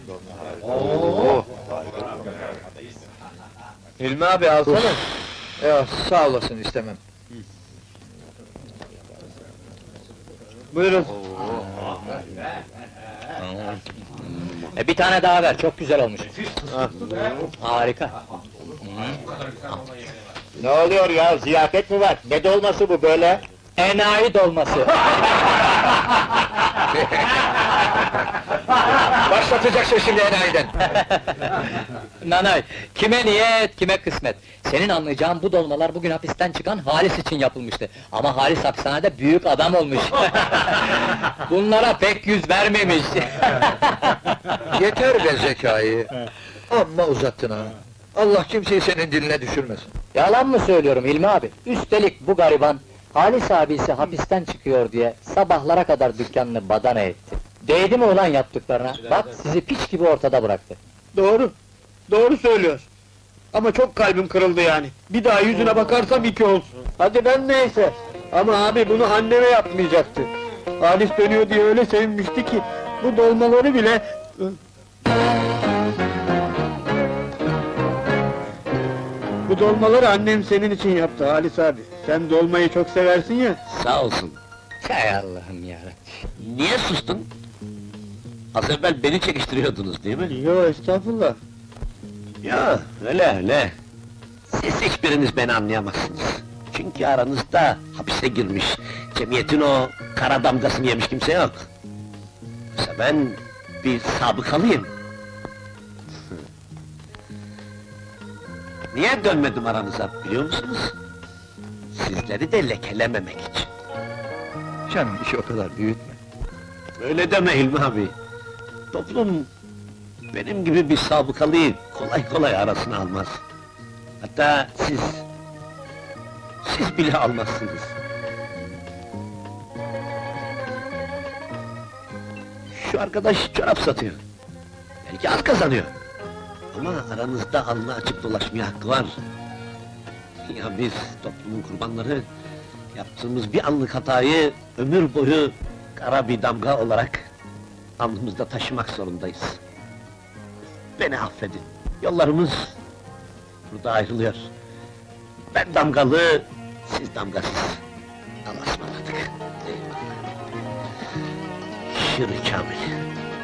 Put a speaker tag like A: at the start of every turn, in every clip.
A: Hilmi abi alsana.
B: Ya sağ olasın, istemem.
A: Buyurun.
C: Bir tane daha ver, çok güzel olmuş. Harika.
B: Ne oluyor ya, ziyafet mi var? Ne dolması bu böyle?
C: Enayi dolması.
B: Başlatacaksın şimdi enayiden!
C: Nanay, kime niyet, kime kısmet. Senin anlayacağın bu dolmalar bugün hapisten çıkan Halis için yapılmıştı. Ama Halis hapishanede büyük adam olmuş. Bunlara pek yüz vermemiş.
B: Yeter be Zekai! Amma uzattın ha! Allah kimseyi senin diline düşürmesin.
C: Yalan mı söylüyorum Hilmi abi? Üstelik bu gariban, Halis abisi hapisten çıkıyor diye sabahlara kadar dükkanını badana etti. Değdi mi ulan yaptıklarına? Bak sizi piç gibi ortada bıraktı.
A: Doğru. Doğru söylüyor. Ama çok kalbim kırıldı yani. Bir daha yüzüne bakarsam iki olsun. Hadi ben neyse. Ama abi bunu anneme yapmayacaktı. Halis dönüyor diye öyle sevinmişti ki bu dolmaları bile... Bu dolmaları annem senin için yaptı Halis abi. Sen dolmayı çok seversin ya.
D: Sağ olsun.
C: Hay Allah'ım yarabbim!
D: Niye sustun? Az evvel beni çekiştiriyordunuz değil mi?
A: Yo estağfurullah.
D: Ya öyle. Siz hiçbiriniz beni anlayamazsınız. Çünkü aranızda hapise girmiş, cemiyetin o kara damgasını yemiş kimse yok. Oysa ben bir sabıkalıyım. Niye dönmedim aranıza biliyor musunuz? Sizleri de lekelememek için.
B: Canım, işi o kadar büyütme.
D: Öyle deme Hilmi abi. Toplum benim gibi bir sabıkalıyı kolay kolay arasına almaz. Hatta siz bile almazsınız. Şu arkadaş çorap satıyor. Belki az kazanıyor. Ama aranızda alnı açık dolaşmaya hakkı var. Ya biz toplumun kurbanları, yaptığımız bir anlık hatayı ömür boyu kara bir damga olarak alnımızda taşımak zorundayız. Beni affedin. Yollarımız burada ayrılıyor. Ben damgalı, siz damgasız. Allah'a ısmarladık. Şirin Kamil.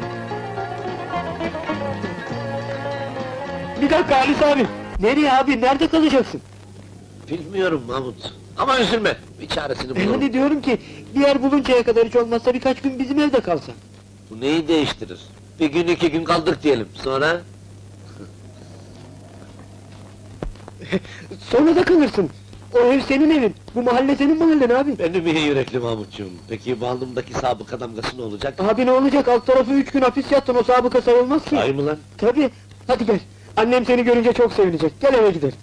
A: Bir dakika Halis abi. Nereye abi? Nerede kalacaksın?
D: Bilmiyorum Mahmut. Ama üzülme, bir çaresini bulurum.
A: Hani diyorum ki, bir yer buluncaya kadar hiç olmazsa birkaç gün bizim evde kalsan.
D: Bu neyi değiştirir? Bir gün iki gün kaldık diyelim, sonra...
A: Sonra da kalırsın. O ev senin evin, bu mahalle senin mahallen abi.
D: Benim iyi yürekli Mahmutcuğum. Peki bu alnımdaki sabıka damgası ne olacak?
A: Abi ne olacak, alt tarafı 3 gün hapis yattın, o sabıka sayılmaz ki.
D: Sahi mı lan?
A: Tabii, hadi gel. Annem seni görünce çok sevinecek, gel eve gidelim.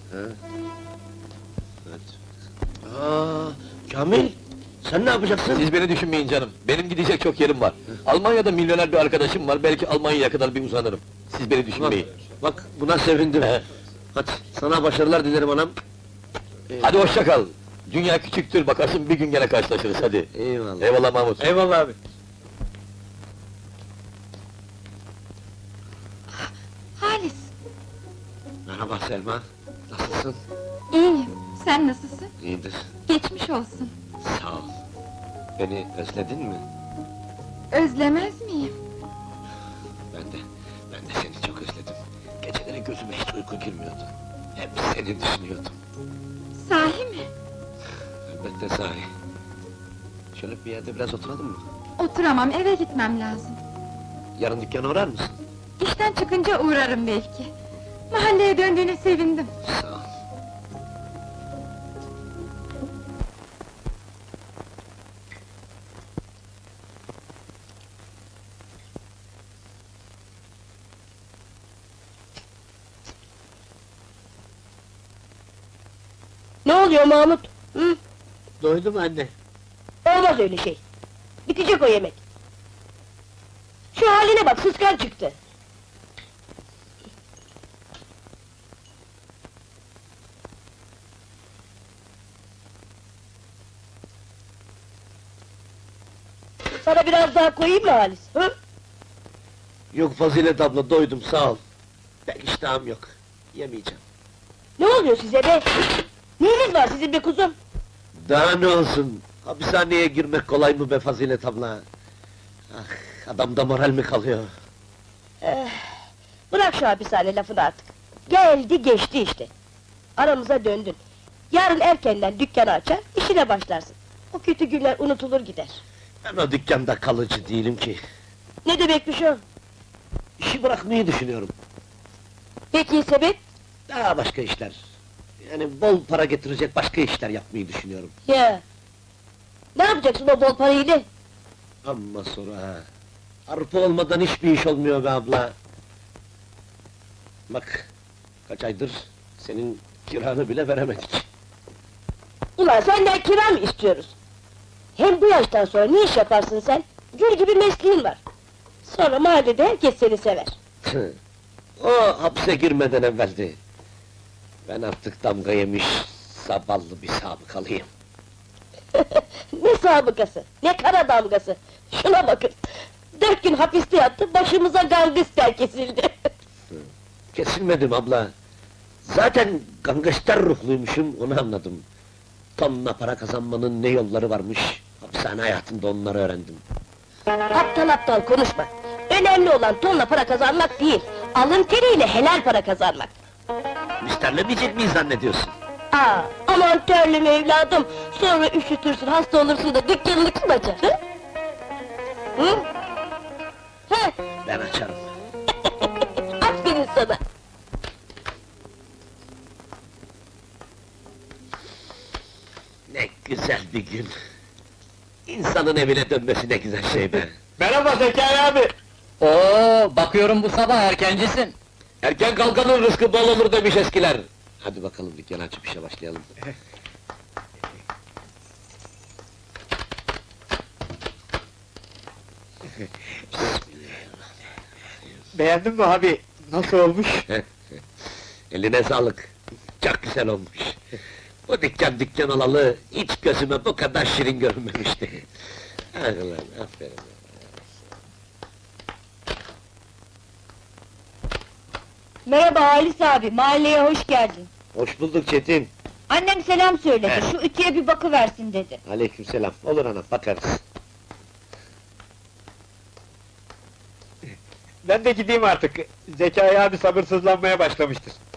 D: Hadi. Kamil! Sen ne yapacaksın?
E: Siz beni düşünmeyin canım, benim gidecek çok yerim var. Almanya'da milyoner bir arkadaşım var, belki Almanya'ya kadar bir uzanırım. Siz beni düşünmeyin.
D: Bak, buna sevindim. Hadi, sana başarılar dilerim anam.
E: Hadi hoşça kal. Dünya küçüktür, bakarsın bir gün gene karşılaşırız, hadi.
D: Eyvallah.
E: Eyvallah Mahmut.
A: Eyvallah abi.
F: Halis,
D: Merhaba Selma. Nasılsın?
F: iyiyim. Sen nasılsın?
D: İyidir.
F: Geçmiş olsun.
D: Sağ ol. Beni özledin mi?
F: Özlemez miyim?
D: Ben de seni çok özledim. Geceleri gözüme hiç uyku girmiyordu. Hep seni düşünüyordum.
F: Sahi mi?
D: Elbette sahi. Şöyle bir yerde biraz oturalım mı?
F: Oturamam, eve gitmem lazım.
D: Yarın dükkana uğrar mısın?
F: İşten çıkınca uğrarım belki. Mahalleye döndüğüne sevindim.
D: Sağ ol.
G: Ne oluyor Mahmut? Hı?
A: Doydum anne.
G: Olmaz öyle şey. Bitecek o yemek. Şu haline bak, sıskan çıktı. Sana biraz daha koyayım mı Halis? Hı?
D: Yok Fazilet abla, doydum sağ ol. Pek iştahım yok. Yemeyeceğim.
G: Ne oluyor size be? Neyiniz var sizin be kuzum?
D: Daha ne olsun? Hapishaneye girmek kolay mı be Fazilet abla? Ah, adamda moral mi kalıyor?
G: Bırak şu hapishane lafını artık. Geldi geçti işte. Aramıza döndün. Yarın erkenden dükkanı açar, işine başlarsın. O kötü günler unutulur gider.
D: Ben o dükkanda kalıcı değilim ki.
G: Ne demekmiş o?
D: İşi bırakmayı düşünüyorum.
G: Peki sebep?
D: Daha başka işler. Yani bol para getirecek başka işler yapmayı düşünüyorum.
G: Ya. Ne yapacaksın o bol parayla?
D: Amma sonra ha. Arpa olmadan hiçbir iş olmuyor be abla. Bak, kaç aydır senin kiranı bile veremedik.
G: Ulan senden kira mı istiyoruz? Hem bu yaştan sonra ne iş yaparsın sen? Gül gibi mesleğin var. Sonra mahallede herkes seni sever.
D: O hapse girmeden evveldi. Ben artık damga yemiş, zavallı bir sabıkalıyım.
G: Ne sabıkası, ne kara damgası! Şuna bakın! 4 gün hapiste yattı, başımıza gangster kesildi!
D: Kesilmedim abla. Zaten gangster ruhluymuşum, onu anladım. Tonla para kazanmanın ne yolları varmış, hapishane hayatında onları öğrendim.
G: Aptal aptal konuşma! Önemli olan tonla para kazanmak değil, alın teriyle helal para kazanmak!
D: Müsterlemeyecek miyiz zannediyorsun?
G: Aa, aman terlim evladım! Sonra üşütürsün, hasta olursun da dükkanını kim açar, hı? Hı? Hı?
D: Ben açarım.
G: Aferin sana!
D: Ne güzel bir gün. İnsanın evine dönmesi ne güzel şey be.
A: Merhaba Zekai abi.
C: Oo, bakıyorum bu sabah erkencisin.
D: Erken kalkanın rızkı bol olur demiş eskiler. Hadi bakalım dükkanı açıp işe başlayalım.
A: Beğendin mi abi? Nasıl olmuş?
D: Eline sağlık. Çok güzel olmuş. Bu dükkan olalı hiç gözüme bu kadar şirin görünmemişti. Ah ulan, aferin.
F: Merhaba Halis abi, mahalleye hoş geldin.
D: Hoş bulduk Çetin.
F: Annem selam söyledi,
D: He.
F: şu ütüye bir bakıversin dedi.
D: Aleykümselam. Olur ana, bakarız.
A: Ben de gideyim artık. Zekai abi sabırsızlanmaya başlamıştır.